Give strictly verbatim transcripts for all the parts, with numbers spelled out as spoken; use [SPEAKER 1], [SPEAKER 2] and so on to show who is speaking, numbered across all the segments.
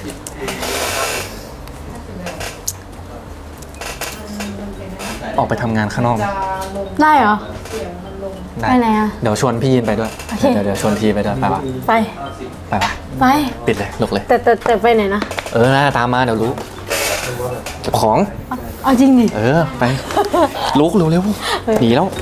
[SPEAKER 1] ออกไปทำงานข้างนอก
[SPEAKER 2] ได้เหรอ
[SPEAKER 1] ได้
[SPEAKER 2] ไปไหนอ่ะ
[SPEAKER 1] เดี๋ยวชวนพี่ยินไปด้วยเดี๋ยวเดี๋ยวชวนทีไปด้วยไปปะ
[SPEAKER 2] ไป
[SPEAKER 1] ไปปะ
[SPEAKER 2] ไป
[SPEAKER 1] ปิดเลยลุกเลย
[SPEAKER 2] แต่แต่แต่ไปไหนนะ
[SPEAKER 1] เออน่าตามมาเดี๋ยวรู้เก็บของ
[SPEAKER 2] เอาจริงดิ
[SPEAKER 1] เออไปลุกเร็วเร็วหนีแล้ว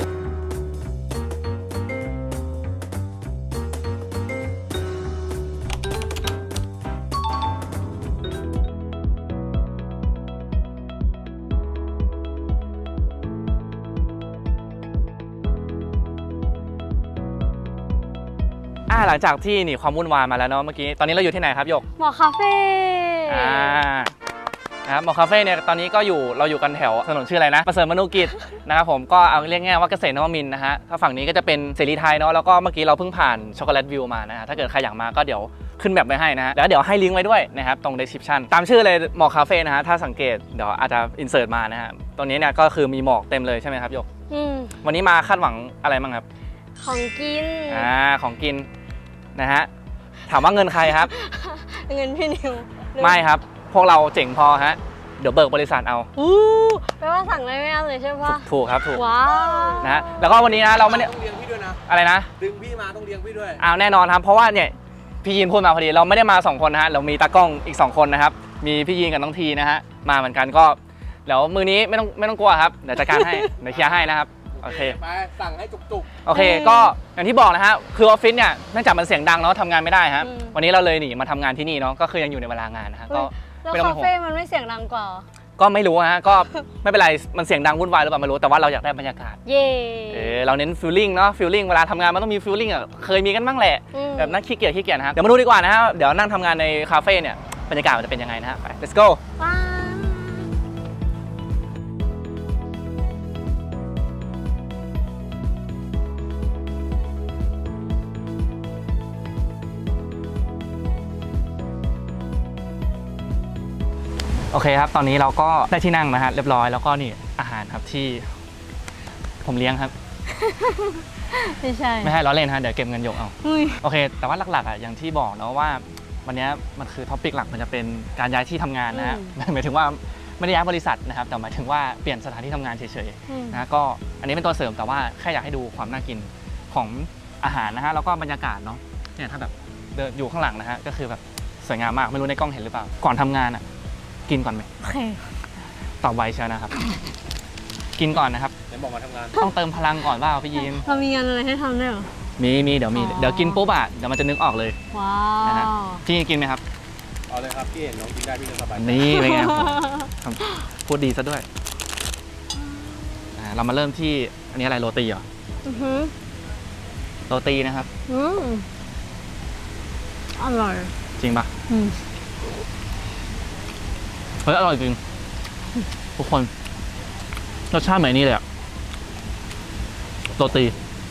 [SPEAKER 1] หลังจากที่หนีความวุ่นวายมาแล้วเนาะเมื่อกี้ตอนนี้เราอยู่ที่ไหนครับหยก
[SPEAKER 2] หมอคาเฟ่
[SPEAKER 1] อ่านะครับหมอคาเฟ่เนี่ยตอนนี้ก็อยู่เราอยู่กันแถวถนนชื่ออะไรนะประเสริฐมนุกิจนะครับผมก็เอาเรียกง่ายว่าเกษตรนวมินทร์นะฮะถ้าฝั่งนี้ก็จะเป็นเสรีไทยเนาะแล้วก็เมื่อกี้เราเพิ่งผ่านช็อกโกแลตวิวมานะฮะถ้าเกิดใครอยากมาก็เดี๋ยวขึ้นแบบไว้ให้นะฮะแล้วเดี๋ยวให้ลิงก์ไว้ด้วยนะครับตรง description ตามชื่อเลยหมอกคาเฟ่นะฮะถ้าสังเกตเดี๋ยวอาจจะอินเสิร์ตมานะฮะตรงนี้เนี่ยก็คือมีหมอกเต็มเลยใช่ไหมครับหยกวันนี้มาคาดหวังอะไรบ้างครับ
[SPEAKER 2] ของกิน
[SPEAKER 1] อ่าของกินนะฮะถามว่าเงินใครครับ
[SPEAKER 2] เงินพี่นิว
[SPEAKER 1] ไม่ครับพวกเราเจ๋งพอฮะเดี๋ยวเบิกบริษัทเอา
[SPEAKER 2] อู้แปลว่าสั่งได้ไม่อั้นเลยใช่ปะ
[SPEAKER 1] ถูกครับถูก
[SPEAKER 2] ว้าว
[SPEAKER 1] นะฮะแล้วก็วันนี้นะเราไม่ได้
[SPEAKER 3] ต้องเลี้ยงพี่ด้วยนะ
[SPEAKER 1] อะไรนะ
[SPEAKER 3] ดึงพี่มาต้องเลี้ยงพี่ด้วย
[SPEAKER 1] อ้าวแน่นอนครับเพราะว่าเนี่ยพี่ยีนพูดมาพอดีเราไม่ได้มาสองคนนะฮะเรามีตากล้องอีกสองคนนะครับมีพี่ยีนกับน้องทีนะฮะมาเหมือนกันก็เดี๋ยวมือนี้ไม่ต้องไม่ต้องกลัวครับเดี๋ยวจัดการให้เดี๋ยวเคลียร์ให้นะครับโอเค
[SPEAKER 3] ไปสั่งให้จุก
[SPEAKER 1] ๆโอเคก็อย่างที่บอกนะฮะคือออฟฟิศเนี่ยเนื่องจากมันเสียงดังเนาะทำงานไม่ได้ครับวันนี้เราเลยหนีมาทำงานที่นี่เนาะก็คือยังอยู่ในเวลางานนะฮะก็
[SPEAKER 2] แล้วคาเฟ่มันไม่เสียงดังกว่า
[SPEAKER 1] ก็ไม่รู้ฮะก็ไม่เป็นไรมันเสียงดังวุ่นวายหรือเปล่าไม่รู้แต่ว่าเราอยากได้บรรยากาศ
[SPEAKER 2] เย่
[SPEAKER 1] เออเราเน้นฟีลลิ่งเนาะฟีลลิ่งเวลาทำงานมันต้องมีฟีลลิ่งอ่ะเคยมีกันบ้างแหละแบบนั่งขี้เกียจขี้เกียจนะฮะเดี๋ยวมาดูดีกว่านะฮะเดี๋ยวนั่งทำงานในคาเฟ่เนี่ยบรรยากาศมันจะเป็นยังไงนะฮะไป let's goโอเคครับตอนนี้เราก็ได้ที่นั่งนะฮะเรียบร้อยแล้วก็นี่อาหารครับที่ผมเลี้ยงครับ
[SPEAKER 2] ไม่ใช่
[SPEAKER 1] ไม่ให้ล้อเล่นฮะเดี๋ยวเก็บเงินหยกเอาโอเคแต่ว่าหลักๆอ่ะอย่างที่บอกเนาะว่าวันนี้มันคือท็อปิกหลักมันจะเป็นการย้ายที่ทำงานนะฮะหมายถึงว่าไม่ได้ย้ายบริษัทนะครับแต่หมายถึงว่าเปลี่ยนสถานที่ทำงานเฉยๆนะก็อันนี้เป็นตัวเสริมแต่ว่าแค่อยากให้ดูความน่ากินของอาหารนะฮะแล้วก็บรรยากาศเนาะเนี่ยถ้าแบบเดินอยู่ข้างหลังนะฮะก็คือแบบสวยงามมากไม่รู้ในกล้องเห็นหรือเปล่าก่อนทำงานอ่ะกินก่อนไหม
[SPEAKER 2] โอเค
[SPEAKER 1] ตอบไวเชียวนะครับกินก่อนนะครับ
[SPEAKER 3] เดี๋ยวบอกมาทำงาน
[SPEAKER 1] ต้องเติมพลังก่อนว่าพี่ยีน
[SPEAKER 2] เรามีงานอะไรให้ทำได้หรอ
[SPEAKER 1] มีมีเดี๋ยวมีเดี๋ยวกินปุ๊บอ่ะเดี๋ยวมันจะนึกออกเลย
[SPEAKER 2] ว้าวนะ
[SPEAKER 1] พี่กินไหมครับ
[SPEAKER 3] เอาเลยครับพี่เห็นน้องกินได้พี่จะสบาย
[SPEAKER 1] นี่เป็นไงพูดดีซะด้วยเรามาเริ่มที่อันนี้อะไรโรตีเหรอโรตีนะครับ
[SPEAKER 2] อร่อย
[SPEAKER 1] จริงปะเฮ้ยอร่อยจริงทุกคนรสชาติเหมือนนี่เลยอะโรตี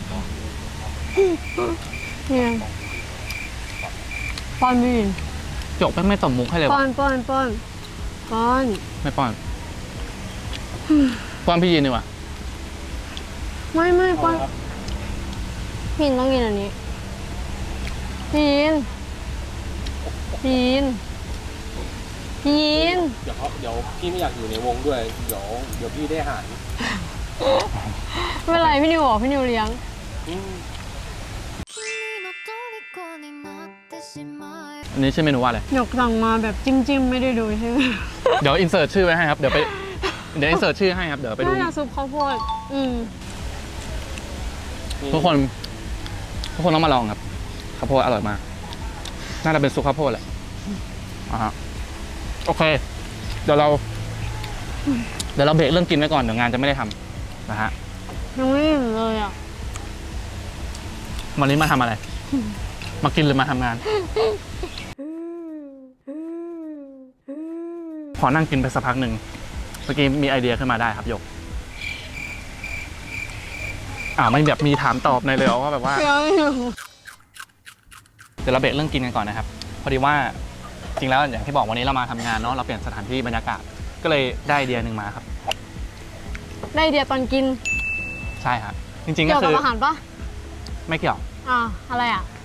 [SPEAKER 2] เนี่ยป้อนพี่
[SPEAKER 1] จกไม่ไม่ตบมุกให้เลย
[SPEAKER 2] ป้อนป้อนป้อนป้อน
[SPEAKER 1] ไม่ป้อนป้อนพี่ยีนดีกว่า
[SPEAKER 2] ไม่ไม่ป้อนพี่ต้องกินอันนี้พี่ยีนพี่ยีนพี่ยีน
[SPEAKER 3] เดี๋ยวเขาเดี๋ยวพี่ไม่อยากอยู่ในวงด้วยเดี๋ยวเดี๋ยวพี่ได้อาหาร
[SPEAKER 2] ไม่เป็นไรพี่นิวบอกพี่นิวเลี้ยง
[SPEAKER 1] อันนี้ชื่อเมนูว่าอะไร
[SPEAKER 2] หยกสั่งมาแบบจิ้มจิ้มไม่ได้ดูใช่ไหม
[SPEAKER 1] เดี๋ยวอินเสิร์ตชื่อไว้ให้ครับเดี๋ยวไปเดี๋ยวอินเสิร์ตชื่อให้ครับเดี๋ยวไปดู
[SPEAKER 2] น่าซุปข้าวโพดอืม
[SPEAKER 1] ทุกคนทุกคนต้องมาลองครับข้าวโพดอร่อยมากน่าจะเป็นซุปข้าวโพดแหละอ่าฮะโอเคเดี๋ยวเราเดี๋ยวเราเบรกเรื่องกินไว้ก่อนเดี๋ยวงานจะไม่ได้ทำนะฮะ
[SPEAKER 2] ยังไม่อิ่มเลยอ่ะ
[SPEAKER 1] วันนี้มาทำอะไรมากินหรือมาทำงานพอนั่งกินไปสักพักหนึ่งเมื่อกี้มีไอเดียขึ้นมาได้ครับหยกอ่าไม่แบบมีถามตอบในเลยว่าแบบว่าเดี๋ยวเราเบรกเรื่องกินกันก่อนนะครับพอดีว่าจริงแล้วอย่างที่บอกวันนี้เรามาทำงานเนาะเราเปลี่ยนสถานที่บรรยากาศก็เลยได้ไอเดียหนึ่งมาครับ
[SPEAKER 2] ได้ไอเดียตอนกิน
[SPEAKER 1] ใช่ครับจริงๆก็คือ
[SPEAKER 2] เกี่ยวกับอาหารปะ
[SPEAKER 1] ไม่เกี่ยว
[SPEAKER 2] อ่าอะไรอ่ะ
[SPEAKER 1] แ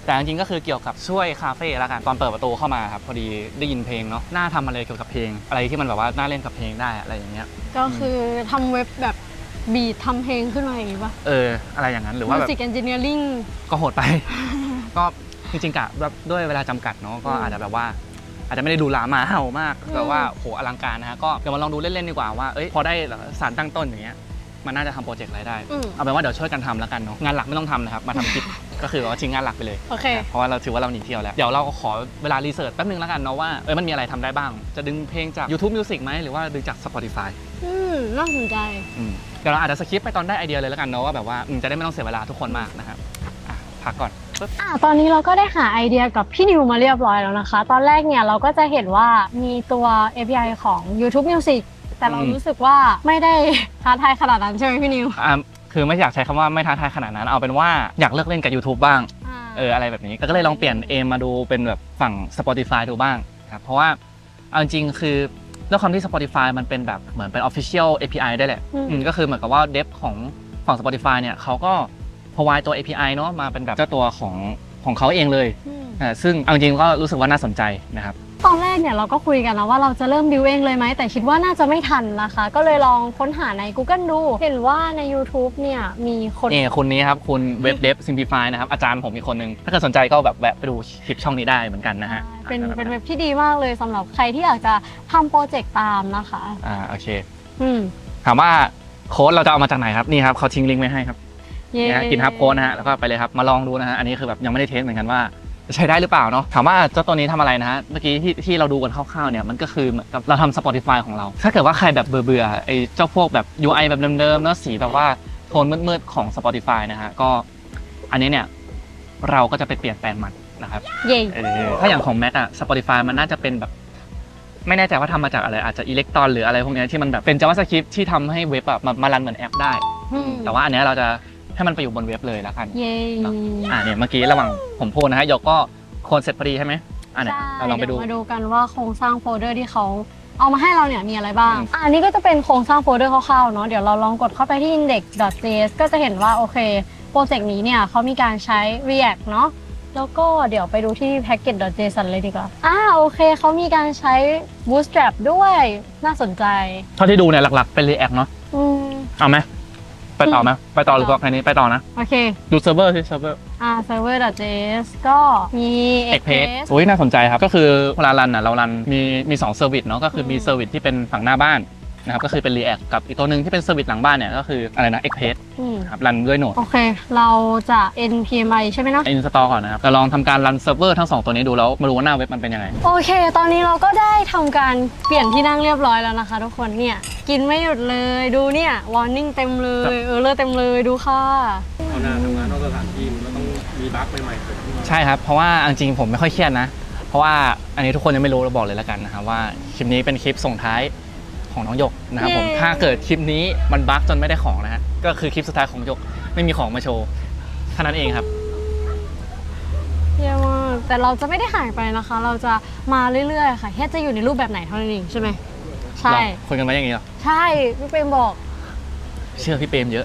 [SPEAKER 1] แต่จริงๆก็คือเกี่ยวกับช่วยคาเฟ่ละกันตอนเปิดประตูเข้ามาครับพอดีได้ยินเพลงเนาะน่าทำอะไรเกี่ยวกับเพลงอะไรที่มันแบบว่าน่าเล่นกับเพลงได้อะไรอย่างเงี้ย
[SPEAKER 2] ก็คือทำเว็บแบบบีททำเพลงขึ้นมาอย่างนี้ป่ะ
[SPEAKER 1] เอออะไรอย่างนั้นหรือว่าแบบ
[SPEAKER 2] Music Engineering
[SPEAKER 1] ก็โหดไป ก็จริงๆกะแบบด้วยเวลาจำกัดเนาะก็อาจจะแบบว่าอาจจะไม่ได้ดูหลามาเห่ามากแบบว่าโหอลังการนะฮะก็เดี๋ยวมาลองดูเล่นๆดีกว่าว่าเอ้ยพอได้สารตั้งต้นอย่างเงี้ยมันน่าจะทำโปรเจกต์อะไรได้
[SPEAKER 2] อืม
[SPEAKER 1] เอาเป็นว่าเดี๋ยวช่วยกันทำแล้วกันเนาะงานหลักไม่ต้องทำนะครับมาทำคลิป ก็คือว่าทิ้งงานหลักไปเลย
[SPEAKER 2] โอเค
[SPEAKER 1] นะเพราะว่าเราถือว่าเราหนีเที่ยวแล้วเดี๋ยวเราก็ขอเวลารีเสิร์ชแป๊บนึงแล้วกันเนาะว่าเอ้ยมันมีอะไรทำได้บ้าง จะดึงเพลงจาก YouTube Music ไหมหรือว่าดึงจาก Spotify
[SPEAKER 2] อืมน่าสนใจ
[SPEAKER 1] อืมเดี๋ยวเราอาจจะสคิปไปตอนได้ไอเดียเลยแล้วกันเนาะว่าแบบว่าอืมจะได้ไม่ต้องเสียเวลาทุกคนมากนะครับอ่ะพักก่อนปึ๊บ
[SPEAKER 2] อ่ะตอนนี้เราก็ได้หาไอเดียกับพี่นิวมาเรียบร้อยแล้วนะคะ ตอนแรกเนี่ยเราก็จะเห็นว่ามีตัว เอ พี ไอ ของ YouTube Music แต่เรารู้สึกว่าไม่ได้ท้าทายขนาดนั้นใช่ไหมพี่นิว
[SPEAKER 1] อ่าคือไม่อยากใช้คำว่าไม่ท้าทายขนาดนั้นเอาเป็นว่าอยากเลิกเล่นกับ YouTube บ้าง
[SPEAKER 2] อ่า
[SPEAKER 1] เอออะไรแบบนี้ก็เลยลองเปลี่ยนเอมมาดูเป็นแบบฝั่ง Spotify ดูบ้างครับเพราะว่าเอาจริงๆคือด้วยความที่ Spotify มันเป็นแบบเหมือนเป็น Official เอ พี ไอ ได้แหละอืมก็คือเหมือนกับว่าเดฟของฝั่ง Spotify เนี่ยเขาก็ provide ตัว เอ พี ไอ เนาะมาเป็นแบบเจ้าตัวของของเขาเองเลย
[SPEAKER 2] อืม
[SPEAKER 1] อ่าซึ่งเอาจริงๆก็รู้สึกว่าน่าสนใจนะครับ
[SPEAKER 2] ตอนแรกเนี่ยเราก็คุยกันนะว่าเราจะเริ่มบิวเองเลยไหมแต่คิดว่าน่าจะไม่ทันนะคะ ก็เลยลองค้นหาใน Google ดู เห็นว่าใน YouTube เนี่ยมีคน
[SPEAKER 1] นี่คุณนี้ครับคุณเว็บเดฟซิมพลิฟายนะครับอาจารย์ผมอีกคนนึงถ้าเกิดสนใจก็แบบแวะไปดูคลิปช่องนี้ได้เหมือนกันนะฮะ
[SPEAKER 2] เป็นเป็นเว็บที่ดีมากเลยสำหรับใครที่อยากจะทำโปรเจกต์ตามนะคะ
[SPEAKER 1] อ่าโอเค
[SPEAKER 2] อืม
[SPEAKER 1] ถามว่าโค้ดเราจะเอามาจากไหนครับนี่ครับเขาทิ้งลิงก์ไว้ให้ครับ
[SPEAKER 2] เย้
[SPEAKER 1] นี่ฮะกินฮับโค้ดนะฮะแล้วก็ไปเลยครับมาลองดูนะฮะอันนี้คือแบบยังไม่ได้เทสเหมือนกันว่าจะใช้ได้หรือเปล่าเนาะถามว่าเจ้าตัวนี้ทำอะไรนะฮะเมื่อกี้ที่ที่เราดูกันคร่าวๆเนี่ยมันก็คือเหมือนกับเราทำ Spotify ของเรา ถ้าเกิดว่าใครแบบเบื่อๆไอ้เจ้าพวกแบบ ยู ไอ แบบเดิมๆเนาะสีแบบว่าโทนมืดๆของ Spotify นะฮะก็อันนี้เนี่ยเราก็จะไปเปลี่ยนแปลงมันนะครับ
[SPEAKER 2] เย้
[SPEAKER 1] เออถ้าอย่างของ Mac อะ Spotify มันน่าจะเป็นแบบไม่แน่ใจว่าทำมาจากอะไรอาจจะอิเล็กตรอนหรืออะไรพวกเนี้ยที่มันแบบเป็น JavaScript ที่ทำให้เว็บอะมามารันเหมือนแอปได้
[SPEAKER 2] อืม
[SPEAKER 1] แต่ว่าอันเนี้ยเราจะให้มันไปอยู่บนเว็บเลยแล้วกัน
[SPEAKER 2] เย้
[SPEAKER 1] เนอะ อ่าเนี่ยเมื่อกี้ระหว่างผมพูดนะฮะยกก็โคนเสร็จพอดีใช่ไหมอ่าเนี่ย
[SPEAKER 2] ใช่
[SPEAKER 1] เราลองไปดู
[SPEAKER 2] เยวมาดูกันว่าโครงสร้างโฟลเดอร์ที่เขาเอามาให้เราเนี่ยมีอะไรบ้าง
[SPEAKER 1] อืม
[SPEAKER 2] อะอันนี้ก็จะเป็นโครงสร้างโฟลเดอร์คร่าวๆเนาะเดี๋ยวเราลองกดเข้าไปที่ index.js ก็จะเห็นว่าโอเคโปรเจกต์นี้เนี่ยเขามีการใช้ React เนาะแล้วก็เดี๋ยวไปดูที่ package.json เลยดีกว่าอ่าโอเคเขามีการใช้ bootstrap ด้วยน่าสนใจ
[SPEAKER 1] เท่าที่ดูเนี่ยหลักๆเป็น React เนาะ
[SPEAKER 2] อืม
[SPEAKER 1] เอาไหมไปต่อไหมไปต่อหรือก็แค่นี้ไปต่อนะ
[SPEAKER 2] โอเค
[SPEAKER 1] ดูเซิร์ฟเวอร์สิเซิร์ฟเวอร์
[SPEAKER 2] อ่า server.js ก็มี
[SPEAKER 1] Express
[SPEAKER 2] Express
[SPEAKER 1] อุ้ยน่าสนใจครับก็คือเวลารันอ่ะเรารันมีมีสองเซอร์วิสเนาะก็คือมี
[SPEAKER 2] อืม
[SPEAKER 1] เซอร์วิสที่เป็นฝั่งหน้าบ้านนะครับก็คือเป็น React กับอีกตัวหนึ่งที่เป็นเซอร์วิสหลังบ้านเนี่ยก็คืออะไรนะ Express
[SPEAKER 2] อืม
[SPEAKER 1] ครับรันด้วยโนด
[SPEAKER 2] โอเค เราจะ npmi ใช่ไหมเนาะ
[SPEAKER 1] อินสตอลก่อนนะครับเราลองทำการรันเซิร์ฟเวอร์ทั้งสองตัวนี้ดูแล้วมาดูว่าหน้าเว็บมันเป็นยังไง
[SPEAKER 2] โอเค ตอนนี้เราก็ได้ทำการเปลี่ยนที่นั่งเรียบร้อยแล้วนะคะทุกคน เนี่ย กินไม่หยุดเลย ดูเนี่ย warning เต็มเลย เออเลอเต็มเลย ดูค่ะ
[SPEAKER 3] เอาหน้าทำงานนอกสถานที่มันก็ต้องมีบั๊กใหม่ๆเกิดขึ้นมา
[SPEAKER 1] ใช่ครับ เพราะว่าจริงๆผมไม่ค่อยเครียดนะ เพราะว่าอันนี้ทุกคนยังไม่รู้เราบอกเลยแล้วกันนะครับว่าคลิปนี้เป็นคลิปส่งท้ายของน้องหยกนะครับผม
[SPEAKER 2] เย้
[SPEAKER 1] ถ้าเกิดคลิปนี้มันบั๊กจนไม่ได้ของนะฮะก็คือคลิปสุดท้ายของหยกไม่มีของมาโชว์แค่นั้นเองครับ
[SPEAKER 2] เยี่ยมมากแต่เราจะไม่ได้หายไปนะคะ เราจะมาเรื่อยๆ ค่ะ แค่จะอยู่ในรูปแบบไหนเท่านั้นเองใช่ไหม ใช่
[SPEAKER 1] หรอคุยกันไว้อย่างนี้เหรอ
[SPEAKER 2] ใช่ พี่เปรมบอก
[SPEAKER 1] เชื่อพี่เปรมเยอะ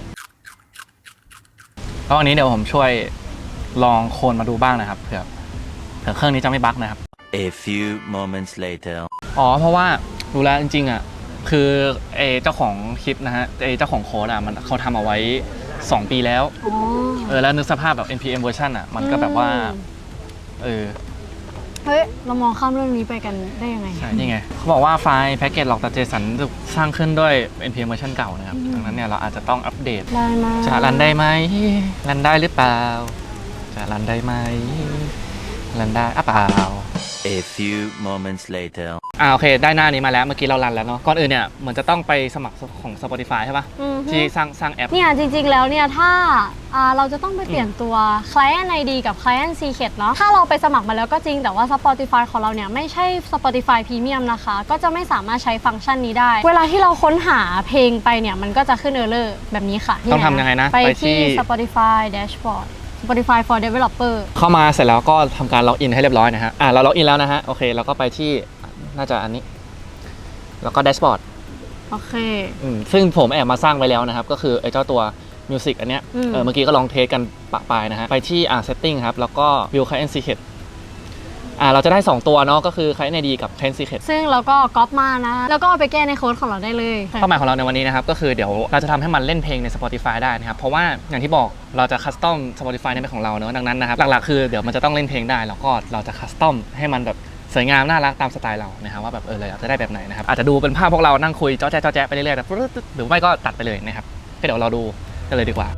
[SPEAKER 1] ก็วันนี้เดี๋ยวผมช่วยลองโคลนมาดูบ้างนะครับเผื่อเผื่อเครื่องนี้จะไม่บั๊กนะครับ
[SPEAKER 4] A few moments later.
[SPEAKER 1] อ๋อเพราะว่าดูแลจริงๆอ่ะคือเอเจ้าของคลิปนะฮะเอเจ้าของโค้ดอ่ะมันเขาทำเอาไว้สองปีแล้ว
[SPEAKER 2] อ๋อ
[SPEAKER 1] เออแล้วนึกสภาพแบบ เอ็น พี เอ็ม เวอร์ชันอ่ะมันก็แบบว่าเออ
[SPEAKER 2] เฮ้ย เรามองข้ามเรื่องนี้ไปกันได้ยังไง
[SPEAKER 1] ใช่นี่ไงเขาบอกว่าไฟล์แพ็กเกจหลอกแต่ JSON ถูกสร้างขึ้นด้วย เอ็น พี เอ็ม เวอร์ชันเก่านะครับดังนั้นเนี่ยเราอาจจะต้องอัปเดต
[SPEAKER 2] ได้ไหม
[SPEAKER 1] จะรันได้ไหมรันได้หรือเปล่าจะรันได้ไหมรันได้อ่ะเปล่า
[SPEAKER 4] A few moments later.
[SPEAKER 1] อ่าโอเคได้หน้านี้มาแล้วเมื่อกี้เรารันแล้วเนาะก่อนอื่นเนี่ยเหมือนจะต้องไปสมัครของ Spotify ใช่ปะ
[SPEAKER 2] อือฮึ
[SPEAKER 1] ที่สร้างสร้างแอป
[SPEAKER 2] เนี่ยจริงๆ แล้วเนี่ยถ้าอ่าเราจะต้องไปเปลี่ยนตัว Client ไอ ดี กับ Client Secret เนาะถ้าเราไปสมัครมาแล้วก็จริงแต่ว่า Spotify ของเราเนี่ยไม่ใช่ Spotify Premium นะคะ ก็จะไม่สามารถใช้ฟังก์ชันนี้ได้ เวลาที่เราค้นหาเพลงไปเนี่ยมันก็จะขึ้น error แบบนี้ค่ะ
[SPEAKER 1] ต้องทำยังไงนะ
[SPEAKER 2] ไป
[SPEAKER 1] ไป
[SPEAKER 2] ที่
[SPEAKER 1] ที่
[SPEAKER 2] Spotify Dashboard Spotify for Developer
[SPEAKER 1] เข้ามาเสร็จแล้วก็ทำการล็อกอินให้เรียบร้อยนะฮะอ่าเราล็อกอินแล้วนะฮะโอเคเราก็ไปที่น่าจะอันนี้แล้วก็แดชบอร์ด
[SPEAKER 2] โอเค
[SPEAKER 1] ซึ่งผมแอบมาสร้างไว้แล้วนะครับก็คือไอ้เจ้าตัวมิวสิกอันเนี้ย
[SPEAKER 2] อืม
[SPEAKER 1] เออเมื่อกี้ก็ลองเทสกันปะปายนะฮะไปที่อ่า setting ครับแล้วก็ view client secret อ่าเราจะได้สองตัวเนาะก็คือ client ไอ ดี กับ client secret
[SPEAKER 2] ซึ่งเราก็ก๊อปมานะ แล้วก็เอาไปแก้ในโค้ดของเราได้เลย
[SPEAKER 1] เป้าหมายของเราในวันนี้นะครับก็คือเดี๋ยวเราจะทำให้มันเล่นเพลงใน Spotify ได้นะครับเพราะว่าอย่างที่บอกเราจะคัสตอม Spotify ในเป็นของเราเนอะดังนั้นนะครับหลักๆคือเดี๋ยวมันจะต้องเล่นเพลงได้แล้วก็เราจะคัสตอมให้มันแบบสวยงามน่ารักตามสไตล์เรานะครับว่าแบบเออเราอยากจะได้แบบไหนนะครับอาจจะดูเป็นภาพพวกเรานั่งคุยจ้อแจ๊ะจ้อแจ๊ะไปเรื่อยๆแบบหรือไม่ก็ตัดไปเลยนะครับก็เดี๋ยวเราดูกันเลยดีกว่า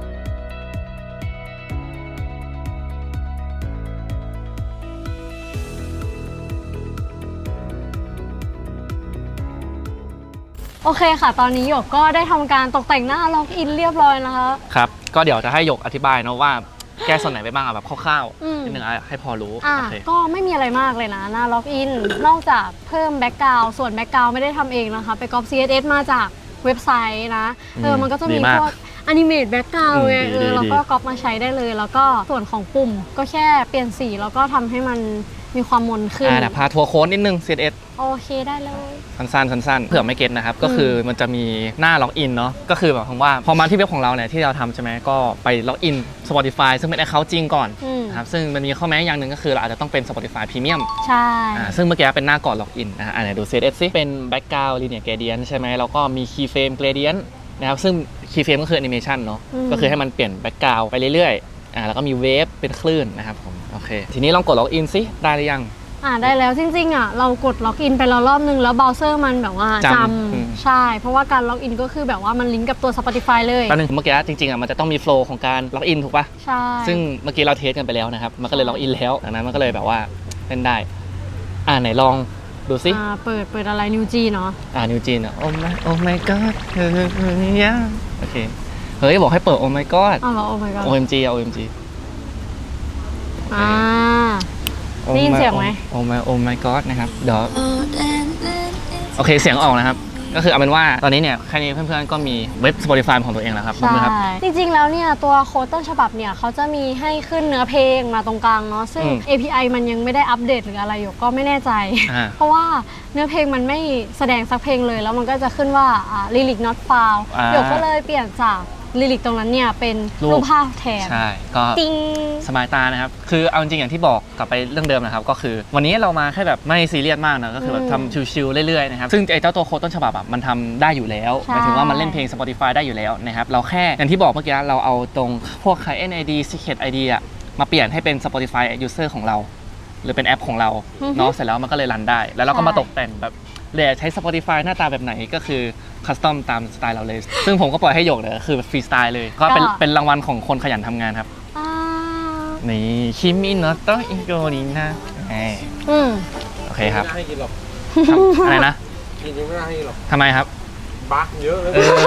[SPEAKER 2] โอเคค่ะ ตอนนี้หยกก็ได้ทำการตกแต่งหน้าล็อกอินเรียบร้อยนะคะ
[SPEAKER 1] ครับก็เดี๋ยวจะให้หยกอธิบายเนาะว่าแก้ส่วนไหนไปบ้างอะแบบคร่าว
[SPEAKER 2] อืม
[SPEAKER 1] ๆนิดนึงอะให้พอรู้
[SPEAKER 2] อ่ะ
[SPEAKER 1] โอเค
[SPEAKER 2] ก็ไม่มีอะไรมากเลยนะหน้าล็อกอิน นอกจากเพิ่มแบ็กกราวด์ส่วนแบ็กกราวด์ไม่ได้ทำเองนะคะ ไปก๊อป ซี เอส เอส มาจากเว็บไซต์นะ เออ มันก็จะมีพวกอนิเมตแบ็กกราวด์ไง เออเราก็ก๊อปมาใช้ได้เลย แล้วก็ส่วนของปุ่มก็แค่เปลี่ยนสีแล้วก็ทำให้มันมีความมนขึ้น
[SPEAKER 1] อ่าเดี๋ยวพาทัวร์โค้ดนิดนึง ซี เอส เอส
[SPEAKER 2] โอเคได้เลย
[SPEAKER 1] สั้นๆสั้นๆเผื่อไม่เก็ตนะครับก็คือมันจะมีหน้าล็อกอินเนาะก็คือแบบคำว่าพอมาที่เว็บของเราเนี่ยที่เราทำใช่ไหมก็ไปล็อกอิน Spotify ซึ่งเป็น account จริงก่อน
[SPEAKER 2] อืม
[SPEAKER 1] นะครับซึ่งมันมีข้อแม้อย่างหนึ่งก็คือเราอาจจะต้องเป็น Spotify Premium
[SPEAKER 2] ใช่
[SPEAKER 1] อ่าซึ่งเมื่อกี้เป็นหน้าก่อนล็อกอินนะฮะอ่าไหนดู ซี เอส เอส ซิเป็น background linear gradient ใช่ไหมแล้วก็มี keyframe gradient นะครับซึ่ง keyframe ก็คือ animation เนาะก็คือให้มันเปลี่ยน background ไปเรื่อยๆอ่าแล้วก็มีเวฟเป็นคลื่นนะครับผมโอเคทีนี้ลองกดล็อกอินซิได้หรือยัง
[SPEAKER 2] อ่าได้แล้วจริงๆอ่ะเรากดล็อกอินไปแล้วรอบนึงแล้วเบราว์เซอร์มันแบบว่า
[SPEAKER 1] จำ
[SPEAKER 2] จ
[SPEAKER 1] อืม
[SPEAKER 2] ำใช่ เพราะว่าการล็อกอินก็คือแบบว่ามันลิงก์กับตัว Spotify เลย
[SPEAKER 1] แป๊บนึงเมื่อกี้จริงๆอ่ะมันจะต้องมีโฟล์ของการล็อกอินถูกปะ
[SPEAKER 2] ใช่
[SPEAKER 1] ซึ่งเมื่อกี้เราเทสกันไปแล้วนะครับ มันก็เลยล็อกอินแล้ว ดังนั้นมันก็เลยแบบว่าเล่นได้ อ่าไหนลองดูซิ
[SPEAKER 2] อ่าเปิดเปิดอะไรนิวจีเนาะ
[SPEAKER 1] อ่านิวจีนอ่ะ โอ้ my โอ้ my god เฮ้ยยโอเค เฮ้ย บอกให้เปิด โอ้ my god
[SPEAKER 2] อ้าวเหรอโอ้ my god
[SPEAKER 1] โอ เอ็ม จี อ่ะ โอ เอ็ม จี
[SPEAKER 2] อ่า ได้ยินเสียงไหม
[SPEAKER 1] โอ้ my โอ้ my god นะครับ เดี๋ยว โอเคเสียงออกนะครับ ก็คือเอาเป็นว่าตอนนี้เนี่ยแค่นี้เพื่อนๆก็มีเว็บ Spotify ของตัวเองแล้วครับ
[SPEAKER 2] ใช่
[SPEAKER 1] ครับ
[SPEAKER 2] จริงๆแล้วเนี่ยตัวโค้ดต้นฉบับเนี่ยเขาจะมีให้ขึ้นเนื้อเพลงมาตรงกลางเนาะซึ่ง
[SPEAKER 1] อืม
[SPEAKER 2] เอ พี ไอ มันยังไม่ได้อัปเดตหรืออะไรอยู่ก็ไม่แน่ใจ
[SPEAKER 1] อ่า
[SPEAKER 2] เพราะว่าเนื้อเพลงมันไม่แสดงสักเพลงเลย แล้วมันก็จะขึ้นว่าอ่า lyric not found
[SPEAKER 1] อ่า
[SPEAKER 2] หยกก็เลยเปลี่ยนจากลิลิกตรงนั้นเนี่ยเป็น
[SPEAKER 1] รูป
[SPEAKER 2] รูปภาพแทน
[SPEAKER 1] ใช่ ก็
[SPEAKER 2] จริง
[SPEAKER 1] สบายตานะครับ คือเอาจริงๆอย่างที่บอกกลับไปเรื่องเดิมนะครับ ก็คือวันนี้เรามาแค่แบบไม่ซีเรียสมากนะ ก็คือแบบ
[SPEAKER 2] อืม
[SPEAKER 1] ทำชิลๆเรื่อยๆนะครับ ซึ่งไอ้เจ้าตัวโค้ดต้นฉบับอะมันทำได้อยู่แล้วห
[SPEAKER 2] ใช่
[SPEAKER 1] มายถึงว่ามันเล่นเพลง Spotify ได้อยู่แล้วนะครับ เราแค่อย่างที่บอกเมื่อกี้เราเอาตรงพวก client ไอ ดี secret ไอ ดี อะมาเปลี่ยนให้เป็น Spotify user ของเรา หรือเป็นแอปของเรา
[SPEAKER 2] อือฮึ
[SPEAKER 1] เนาะ เสร็จแล้วมันก็เลยรันได้ แล้วเราก็
[SPEAKER 2] ใช่
[SPEAKER 1] มาตกแต่งแบบเลยใช้ Spotify หน้าตาแบบไหนก็คือคัสตอมตามสไตล์เราเลย ซึ่งผมก็ปล่อยให้โยกเลยคือฟรีสไตล์เลย ก็เป็นเป็นรางวัลของคนขยันทำงานครับ
[SPEAKER 2] อ่า
[SPEAKER 1] นี่คิมิโนโตะอิโกรินะเอ้ย
[SPEAKER 2] อืม
[SPEAKER 1] โอเคครับ
[SPEAKER 3] ไม่น่าให้กินหรอก
[SPEAKER 1] ทำอะไรนะ
[SPEAKER 3] กินยังไม่น่าให้กินหรอก
[SPEAKER 1] ทำไมครับ
[SPEAKER 3] บักเยอะเลย
[SPEAKER 1] เออ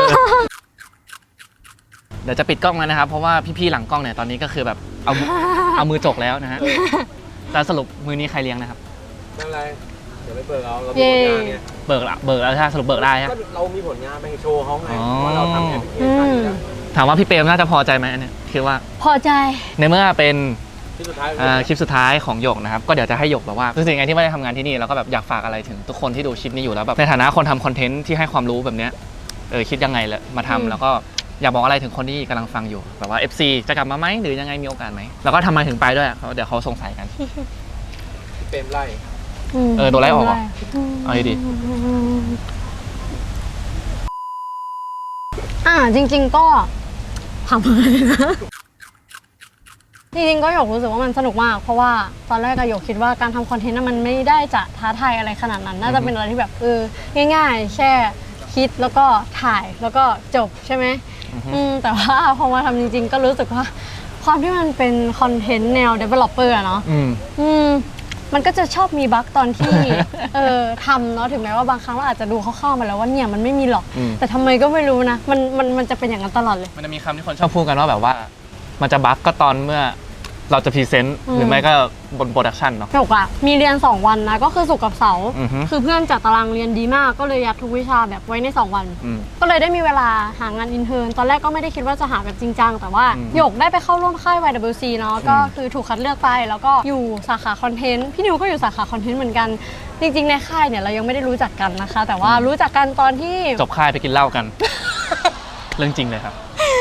[SPEAKER 1] เดี๋ยวจะปิดกล้องแล้วนะครับ เพราะว่าพี่ๆหลังกล้องเนี่ยตอนนี้ก็คือแบบเอามือเอามือจกแล้วนะฮะแต่สรุปมือนี้ใครเลี้ยงนะครับ
[SPEAKER 3] ไม่เป็นไร เดี๋ยวไปเบิกเอาเรามีผลงานไง
[SPEAKER 1] เบิกละเบิกแล้วใช่ไหมสรุปเบิกได้ฮะ
[SPEAKER 3] ก็เรามีผลงานไปโชว์เขาไง
[SPEAKER 1] อ๋อ
[SPEAKER 3] ว่าเราทำแอปพลิเคชันอยู่แล้ว
[SPEAKER 1] ถามว่าพี่เปรมน่าจะพอใจไหมอันเนี้ยคือว่า
[SPEAKER 2] พอใจ
[SPEAKER 1] ในเมื่อเป็น
[SPEAKER 3] ที่สุดท้าย
[SPEAKER 1] อ่าคลิปสุดท้ายของหยกนะครับก็เดี๋ยวจะให้หยกแบบว่ารู้สึกไงที่ไม่ได้ทำงานที่นี่แล้วก็แบบอยากฝากอะไรถึงทุกคนที่ดูคลิปนี้อยู่แล้วแบบในฐานะคนทำคอนเทนต์ที่ให้ความรู้แบบเนี้ยเออคิดยังไงละมาทำ
[SPEAKER 2] อืม
[SPEAKER 1] แล้วก็อยากบอกอะไรถึงคนที่กำลังฟังอยู่แบบว่า เอฟ ซี จะกลับมาไหมหรือยังไงมีโอกาสไหมแล้วก็ทำไมถึงไปด้วยเขาเดี๋ยวเขาสงสัยกัน
[SPEAKER 3] ที่เปรมไล่
[SPEAKER 1] เออโดนไล่ออกเหรอ เอาดี
[SPEAKER 2] อ่าจริง ๆก็ทำเลยนะ จริงๆก็หยกรู้สึกว่ามันสนุกมาก เพราะว่าตอนแรกก็หยกคิดว่าการทำคอนเทนต์น่ะมันไม่ได้จะท้าทายอะไรขนาดนั้น น่าจะเป็นอะไรที่แบบเออง่ายๆ แค่คิดแล้วก็ถ่ายแล้วก็จบใช่ไหม
[SPEAKER 1] อือฮึ
[SPEAKER 2] อืมแต่ว่าพอมาทำจริง ๆ ก็รู้สึกว่าความที่มันเป็นคอนเทนต์แนว developer อะเนาะ
[SPEAKER 1] อืม
[SPEAKER 2] อืมมันก็จะชอบมีบั๊กตอนที่ เออทำเนาะถึงแม้ว่าบางครั้งเราอาจจะดูคร่าวๆมาแล้วว่าเนี่ยมันไม่มีหรอก
[SPEAKER 1] อืม
[SPEAKER 2] แต่ทำไมก็ไม่รู้นะมันมันมันจะเป็นอย่างนั้นตลอดเลย
[SPEAKER 1] มันจะมีคำที่คนชอบพูดกันว่าแบบว่า มันจะบั๊กก็ตอนเมื่อเราจะพรีเซนต์
[SPEAKER 2] อืม
[SPEAKER 1] หรือไม่ก็บนโปรดักชันเนาะ
[SPEAKER 2] หยกอะมีเรียนสองวันนะก็คือศุกร์กับเสาร์
[SPEAKER 1] อือฮึ
[SPEAKER 2] คือเพื่อนจัดตารางเรียนดีมากก็เลยยัดทุกวิชาแบบไว้ในสองวัน
[SPEAKER 1] อืม
[SPEAKER 2] ก็เลยได้มีเวลาหางานอินเทอร์นตอนแรกก็ไม่ได้คิดว่าจะหาแบบจริงจังแต่ว่า
[SPEAKER 1] อืม
[SPEAKER 2] หยกได้ไปเข้าร่วมค่าย วาย ดับเบิลยู ซี เนาะก็
[SPEAKER 1] อืม
[SPEAKER 2] คือถูกคัดเลือกไปแล้วก็อยู่สาขาคอนเทนต์พี่นิวก็อยู่สาขาคอนเทนต์เหมือนกันจริงๆในค่ายเนี่ยเรายังไม่ได้รู้จักกันนะคะ แต่ว่ารู้จักกันตอนที่
[SPEAKER 1] จบค่ายไปกินเหล้ากัน เรื่องจริงเลยครับ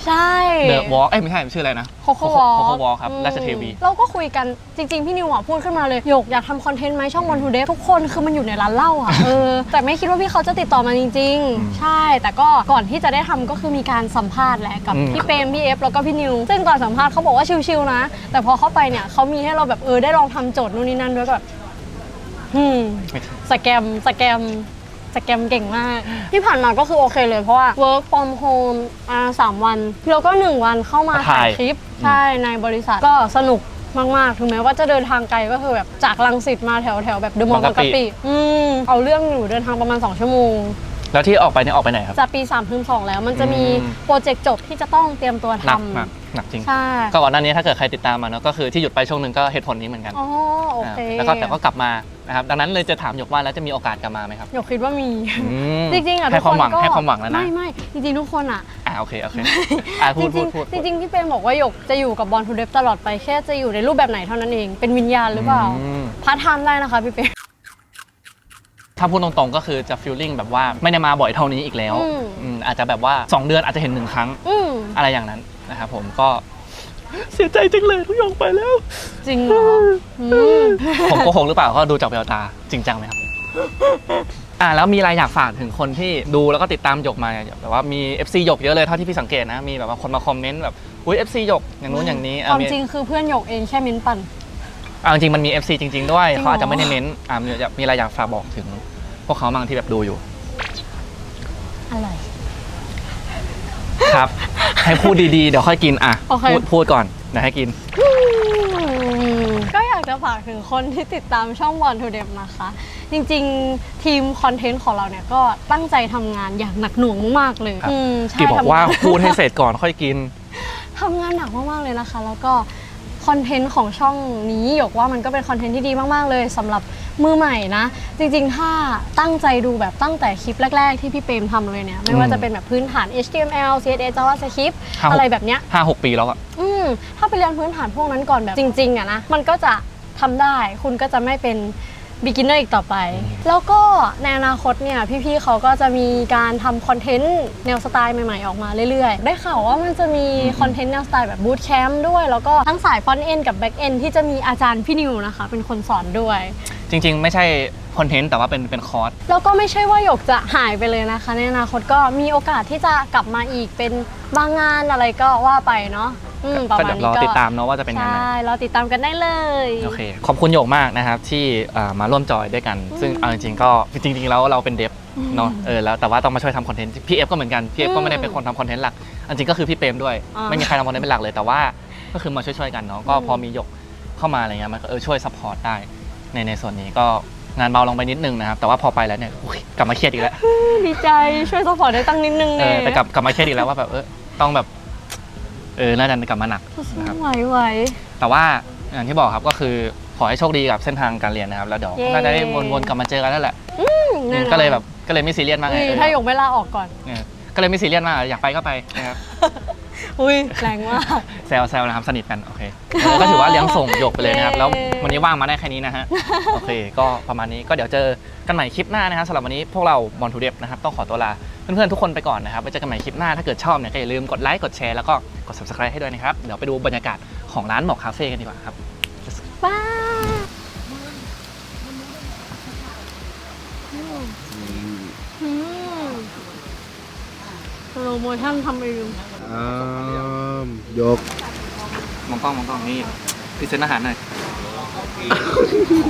[SPEAKER 2] ใช่
[SPEAKER 1] เดอะวอล์กเอ้ยไม่ใช่ชื่ออะไรนะ
[SPEAKER 2] โคโค่วอล์ก
[SPEAKER 1] โคโค่วอล์กครับราชเทวี
[SPEAKER 2] เราก็คุยกันจริงๆ พี่นิวอ่ะพูดขึ้นมาเลยหยกอยากทำคอนเทนต์ไหมช่องวันทูเดย์ทุกคนคือมันอยู่ในร้านเหล้าอ่ะ เออแต่ไม่คิดว่าพี่เขาจะติดต่อมาจริงๆ ใช่แต่ก็ก่อนที่จะได้ทำก็คือมีการสัมภาษณ์แหละกับพี่เปรมพี่เอฟแล้วก็พี่นิวซึ่งตอนสัมภาษณ์เขาบอกว่าชิลๆนะแต่พอเข้าไปเนี่ยเขามีให้เราแบบเออได้ลองทำโจทย์นู่นนี่นั่นด้วยแบบอืมสแกมสแกมสแกมเก่งมากที่ผ่านมาก็คือโอเคเลยเพราะว่า work from home อ่าสามวันแล้วก็หนึ่งวันเข้ามาถ่ายคลิปใช่ในบริษัทก็สนุกมากๆถึงแม้ว่าจะเดินทางไกลก็คือแบบจากรังสิตมาแถวแถวแบบเดอะมอลล์บางกะปิอืมเอาเรื่องอยู่เดินทางประมาณสองชั่วโมง
[SPEAKER 1] แล้วที่ออกไปเนี่ยออกไปไหนครับ
[SPEAKER 2] จะปีสามถึงสองแล้วมันจะมี
[SPEAKER 1] อืม
[SPEAKER 2] โปรเจกต์จบที่จะต้องเตรียมตัว
[SPEAKER 1] หนัก
[SPEAKER 2] ทำ
[SPEAKER 1] หนักหนักจริง
[SPEAKER 2] ใช่
[SPEAKER 1] ก็ก่อนหน้านี้ถ้าเกิดใครติดตามมาเนาะก็คือที่หยุดไปช่วงหนึ่งก็เหตุผลนี้เหมือนกัน
[SPEAKER 2] อ๋อโอเค
[SPEAKER 1] อ่าแล้วก็แต่ก็กลับมานะครับดังนั้นเลยจะถามหยกว่าแล้วจะมีโอกาสกลับมาไหมครับ
[SPEAKER 2] หยกคิดว่ามี
[SPEAKER 1] อืม
[SPEAKER 2] จริงๆอ่ะ
[SPEAKER 1] ให้
[SPEAKER 2] ทุก
[SPEAKER 1] ความ
[SPEAKER 2] คน
[SPEAKER 1] หวัง
[SPEAKER 2] ก็
[SPEAKER 1] ให้ความหวังแล้วนะ
[SPEAKER 2] ไม่ไม่จริงๆทุกคนอ่ะ
[SPEAKER 1] อ่าโอเคโอเคอ่าพูด
[SPEAKER 2] จ
[SPEAKER 1] พู
[SPEAKER 2] ริ
[SPEAKER 1] ด
[SPEAKER 2] ง
[SPEAKER 1] พูด
[SPEAKER 2] ๆจริงๆพี่เปรมบอกว่าหยกจะอยู่กับบอลทูเดฟตลอดไปแค่จะอยู่ในรูปแบบไหนเท่านั้นเองเป็นวิญญาณหรือเปล่า
[SPEAKER 1] อืม
[SPEAKER 2] พาร์ทไทม์ได้นะคะพี่เปรม
[SPEAKER 1] ถ้าพูดตรงๆก็คือจะฟีลลิ่งแบบว่าไม่ได้มาบ่อยเท่านี้อีกแล้ว
[SPEAKER 2] อืม
[SPEAKER 1] อืมอาจจะแบบว่าสองเดือนอาจจะเห็นหนึ่งครั้ง
[SPEAKER 2] อืม
[SPEAKER 1] อะไรอย่างนั้นนะครับผมก็เสียใจจังเลยทุกอย่างไปแล้ว
[SPEAKER 2] จริงเหรออืม
[SPEAKER 1] ผมโกหกหรือเปล่าก็ดูจากแววตาจริงจังไหมครับ อ่าแล้วมีอะไรอยากฝากถึงคนที่ดูแล้วก็ติดตามหยกมาเนี่ยแบบว่ามี เอฟ ซี หยกเยอะเลยเท่าที่พี่สังเกตนะมีแบบว่าคนมาคอมเมนต์แบบอุ้ย เอฟ ซี หยกอย่างนู้นอย่างนี้
[SPEAKER 2] ความ
[SPEAKER 1] มี
[SPEAKER 2] จริงคือเพื่อนหยกเองแค่มิ้นปั่น
[SPEAKER 1] อ่าจริงๆมันมี เอฟ ซี จริง ๆ ด้วย
[SPEAKER 2] จริงเหรอ
[SPEAKER 1] เขาอาจจะไม่ได้เน้นอ่ามีมีอะไรอยากฝากบอกถึงพวกเขาบางที่แบบดูอยู่
[SPEAKER 2] อะไร
[SPEAKER 1] ครับ ให้พูดดีๆ เดี๋ยวค่อยกินอ่ะ
[SPEAKER 2] โอเค
[SPEAKER 1] พูดพูดก่อนเดี๋ยวให้กิน
[SPEAKER 2] ก็อยากจะฝากถึงคนที่ติดตามช่องบอลทูเดฟนะคะ จริงๆ ทีมคอนเทนต์ของเราเนี่ยก็ตั้งใจทำงานอย่างหนักหน่วงมากๆเลย
[SPEAKER 1] ครับ
[SPEAKER 2] อืมใช่
[SPEAKER 1] กี่บอกว่า
[SPEAKER 2] ทำงน
[SPEAKER 1] พูดให้เสร็จก่อนค่อยกิน
[SPEAKER 2] ทำงานหนักมากๆเลยนะคะ แล้วก็คอนเทนต์ของช่องนี้หยกว่ามันก็เป็นคอนเทนต์ที่ดีมากๆเลยสำหรับมือใหม่นะ จริงๆ ถ้าตั้งใจดูแบบตั้งแต่คลิปแรก ๆ ที่พี่เปรมทำเลยเนี่ยไม่ว่าจะเป็นแบบพื้นฐาน เอช ที เอ็ม แอล ซี เอส เอส JavaScript
[SPEAKER 1] ห้าหก
[SPEAKER 2] อะไรแบบเนี้ย
[SPEAKER 1] ห้าหกปีแล้วอะ
[SPEAKER 2] อืมถ้าไปเรียนพื้นฐานพวกนั้นก่อนแบบจริงๆอะนะมันก็จะทำได้คุณก็จะไม่เป็น beginner อีกต่อไป แล้วก็ในอนาคตเนี่ยพี่ๆเขาก็จะมีการทำคอนเทนต์แนวสไตล์ใหม่ๆออกมาเรื่อยๆ ได้ข่าวว่ามันจะมีคอนเทนต์แนวสไตล์แบบบูตแคมป์ด้วย แล้วก็ทั้งสายฟรอนต์เอนกับแบ็กเอนที่จะมีอาจารย์พี่นิวนะคะเป็นคนสอนด้วย
[SPEAKER 1] จริง ๆ ไม่ใช่คอนเทนต์แต่ว่าเป็นเป็นคอร์ส
[SPEAKER 2] แล้วก็ไม่ใช่ว่าหยกจะหายไปเลยนะคะในอนาคตก็มีโอกาสที่จะกลับมาอีกเป็นบางงานอะไรก็ว่าไปเนาะอืมประ
[SPEAKER 1] ก็
[SPEAKER 2] มาณ
[SPEAKER 1] เดี๋ยว
[SPEAKER 2] นี้
[SPEAKER 1] รอ
[SPEAKER 2] ก็
[SPEAKER 1] ติดตามเนาะว่าจะเป็นยังไง
[SPEAKER 2] ใช่เราติดตามกันได้เลย
[SPEAKER 1] โอเค ขอบคุณโยกมากนะครับที่อ่ามาร่วมจอยด้วยกัน ซึ่งเอาจริงๆก็จริงๆแล้วเราเป็นเดฟเนาะเออแล้วแต่ว่าต้องมาช่วยทำคอนเทนต์พี่เอฟก็เหมือนกันพี่เอฟก็ไม่ได้เป็นคนทำคอนเทนต์หลักอันจริงก็คือพี่เปรมด้วย
[SPEAKER 2] อ่า
[SPEAKER 1] ไม่มีใครทำคอนเทนต์เป็นหลักเลยแต่ว่าก็คือมาช่วยๆกันเนาะก็พอมีหยกเข้ามาอะไรเงี้ยมันก็เออช่วยซัพพอร์ตได้ในในส่วนนี้ก็งานเบาลงไปนิดนึงนะครับแต่ว่าพอไปแล้วเนี่ยอุ๊ยกลับมาเครียดอีกแล้ว
[SPEAKER 2] ดีใจช่วยสปอร์ตได้ตั้งนิดนึง
[SPEAKER 1] เอ
[SPEAKER 2] เนี่
[SPEAKER 1] อย แต่กลับกลับมาเครียดอีกแล้วว่าแบบเออต้องแบบเออน่าจะกลับมาหนักนะครับ
[SPEAKER 2] ไหวไหว
[SPEAKER 1] แต่ว่าอย่างที่บอกครับก็คือขอให้โชคดีกับเส้นทางการเรียนนะครับแล้วเดี๋ยว
[SPEAKER 2] เย้
[SPEAKER 1] น่าจะได้วนๆกลับมาเจอกันนั่นแหละ
[SPEAKER 2] แน่นอน
[SPEAKER 1] ก็เลยแบบก็เลยไม่ซีเรียสมากไง
[SPEAKER 2] อุ้ย
[SPEAKER 1] เออ
[SPEAKER 2] ถ้าหยกไม่ลาออกก่อน
[SPEAKER 1] เออก็เลยไม่ซีเรียสมากอยากไปก็ไปนะครับ
[SPEAKER 2] อุ้ยแรงมาก
[SPEAKER 1] แซวแซวนะครับสนิทกันโอเคเออก็ถือว่าเลี้ยงส่งหยกไปเลยนะครับแล้ว
[SPEAKER 2] เย้
[SPEAKER 1] วันนี้ว่างมาได้แค่นี้นะฮะโอเคก็ประมาณนี้ก็เดี๋ยวเจอกันใหม่คลิปหน้านะครับสำหรับวันนี้พวกเราบอลทูเดฟนะครับต้องขอตัวลาเพื่อนๆทุกคนไปก่อนนะครับไว้เจอกันใหม่คลิปหน้าถ้าเกิดชอบเนี่ยก็อย่าลืมกดไลค์กดแชร์แล้วก็กด ซับสไครบ์ ให้ด้วยนะครับเดี๋ยวไปดูบรรยากาศของร้านหมอกคาเฟ่กันดีกว่าครับ
[SPEAKER 2] บ้าอืมโปรโมชั่นทำเอง
[SPEAKER 3] อ่ายก
[SPEAKER 1] มองกล้องมองกล้องนี่พรีเซนต์อาหารหน่อย